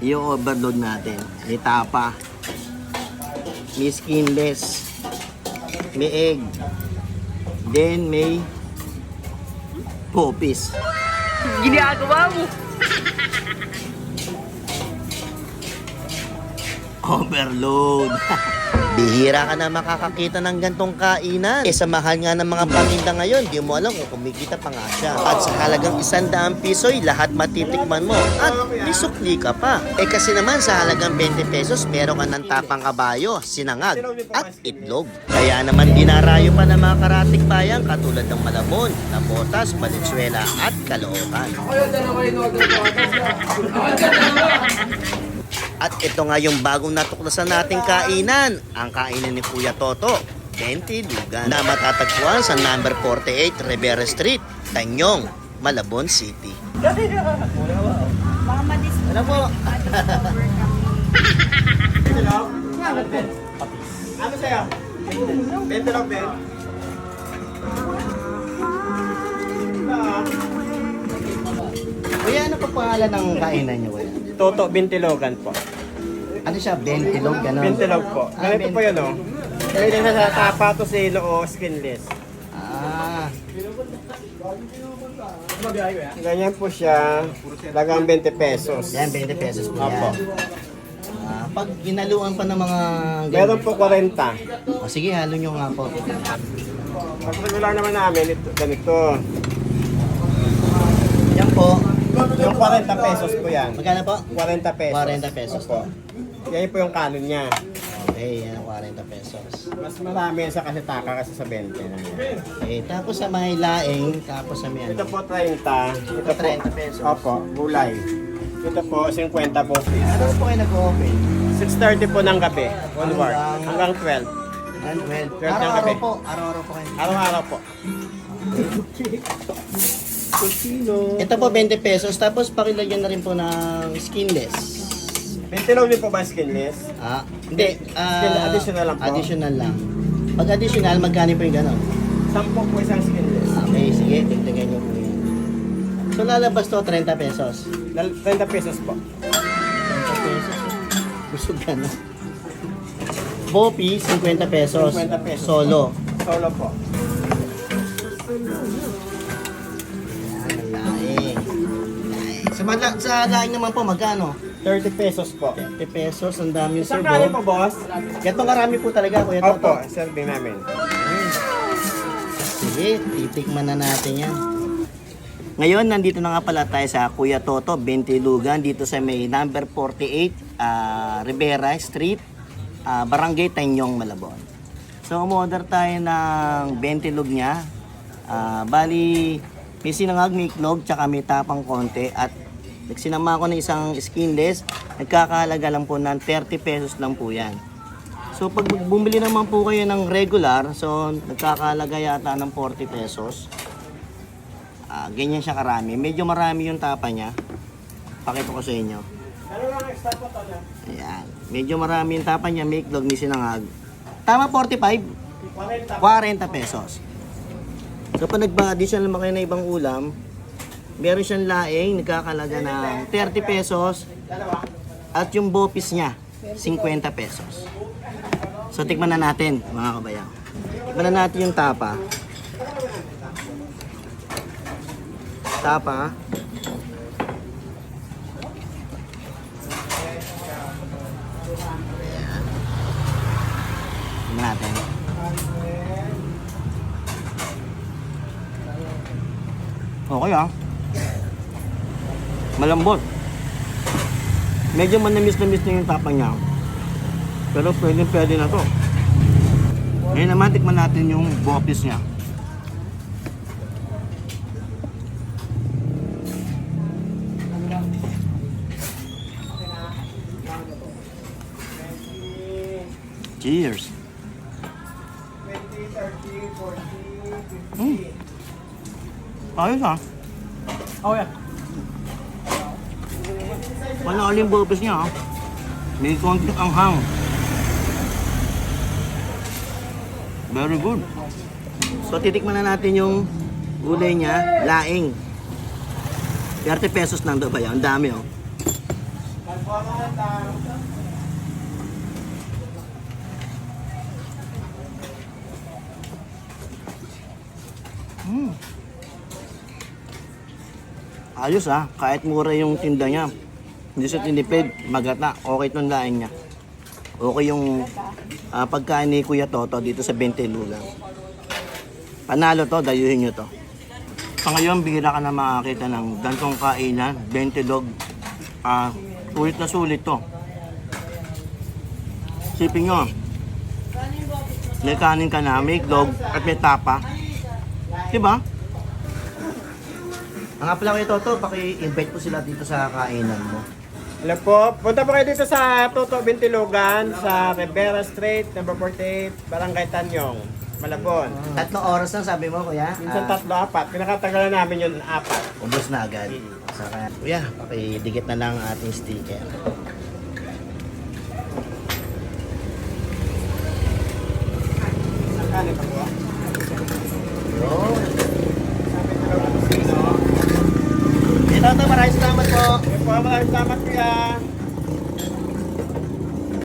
Yung overload natin. May tapa. May skinless. May egg. Then may popis. Ginagawa mo. Overload. Bihira ka na makakakita ng gantong kainan. Sa mahal nga ng mga paninda ngayon, di mo alam kung kumikita pa nga siya. At sa halagang 100 piso'y lahat matitikman mo. At may sukli ka pa. Kasi naman sa halagang 20 pesos, meron ka ng tapang kabayo, sinangag, at itlog. Kaya naman dinarayo pa ng mga karatig bayan katulad ng Malabon, Nabotas, Valenzuela, at Caloocan. At ito nga yung bagong natuklasan nating kainan, ang kainan ni Kuya Toto, 20 Lugan, na matatagpuan sa number 48 Rivera Street, Tanyong, Malabon City. Baka madis. Ano po? Ano sa'yo? 20 lang, Ben. Kuya, ano pa pangalan ng kainan niyo, Kuya? Toto Bintilogan po. Ano siya? Bentilog? Gano'n? Bintilog po. Ganito po yun, oh. Pwede na sa tapa to silo o skinless. Ah, Ganyan po siya. Lagang 20 pesos. yan, 20 pesos po Opo. yan. Pag ginaluan pa ng mga... Meron po 40. O sige, halo nyo nga po. Pag regular naman namin, ito, ganito. Yan po. Yung 40 pesos po yan. Magkano po? 40 pesos. 40 pesos. Opo. Yan po yung kanon niya. Okay, yan, 40 pesos. Mas marami sa kasi taka kasi sa 20 na yan. Okay, tapos sa may laing, tapos sa may Ito ano. po 30. Ito po 30 pesos. Opo, gulay. Ito po 50 po please. Ano po kayo nag-open? 6:30 po ng gabi. Onward. Hanggang 12. And well, 12 ng araw-araw gabi. po. Araw-araw po kayo. Araw-araw po. Ito po 20 pesos, tapos pakilagyan na rin po ng skinless. 20 lang din po ba skinless? Hindi. Additional lang po. Additional lang. Pag additional, magkano po yung gano'n? 10 po isang skinless. Okay, sige, tignan nyo po yan. So lalabas to 30 pesos. 30 pesos po. 30 pesos. Busog ka na. Bopi, 50 pesos. 50 pesos. Solo. Solo po. Yan, laing. Sa laing naman po, magkano? 30 pesos po. 50 pesos, ang dami yung Isang kanin servo. po, boss? Ito karami po talaga, Kuya Toto. Opo, serving namin. Sige, titikman na natin yan. Ngayon, nandito na nga pala tayo sa Kuya Toto, Bintilugan, dito sa may number 48, Rivera Street, Barangay Tanyong, Malabon. So, umorder tayo ng bentilog niya. Bali, may sinangag, may iklog, tsaka may tapang konti. At nagsinama ko ng isang skinless, nagkakahalaga lang po ng 30 pesos lang po yan. So, pag bumili naman po kayo ng regular, so nagkakahalaga yata ng 40 pesos. Ganyan siya karami. Medyo marami yung tapa niya. Pakita ko sa inyo. Ano lang extra po to niya? Ayan. Medyo marami yung tapa niya. May iklog, may sinangag. Tama 45? 40. 40 pesos. So pag nagba-additional naman kayo ng ibang ulam, meron siyang laing, nagkakalaga ng 30 pesos. At yung bopis niya, 50 pesos. So tikman na natin, mga kabayan. Tikman na natin yung tapa. Tapa. Tingnan natin. Okay malambot. Medyo manamis-namis na yung tapa niya. Pero pwede na to. Ngayon naman, tikman natin yung bopis niya. Cheers! 20, 30, 40, 50. Ayos Oh, yeah. Panalo yung bopis niya May konting anghang. Very good. So titikman na natin yung gulay niya, laing. 30 pesos lang daw ba yan? Ang dami Ayos kahit mura yung tinda niya. Hindi siya tinipid, magata, okay itong lain niya. Okay yung pagkain ni Kuya Toto dito sa 20 Lugang. Panalo to, dayuhin nyo to. Sa ngayon, bihira ka na makakita ng gantong kainan, 20 log. Sulit na sulit to. Sipin nyo, may kanin ka na, may itlog, at may tapa. Diba? Ang nga pala Kuya Toto, paki-invite po sila dito sa kainan mo. Hello po, punta po kayo dito sa Toto Bintilugan sa Rivera Street, number 48, Barangay Tanyong, Malabon. 3 oras lang sabi mo, Kuya. Minsan 3, 4, pinakatagalan namin yun 4. Ubus na agad. So, kaya, Kuya, pakidikit na lang ang ating sticker. Ang kanin pa po. Yun. Ito, maraming salamat po. Maraming salamat kuya.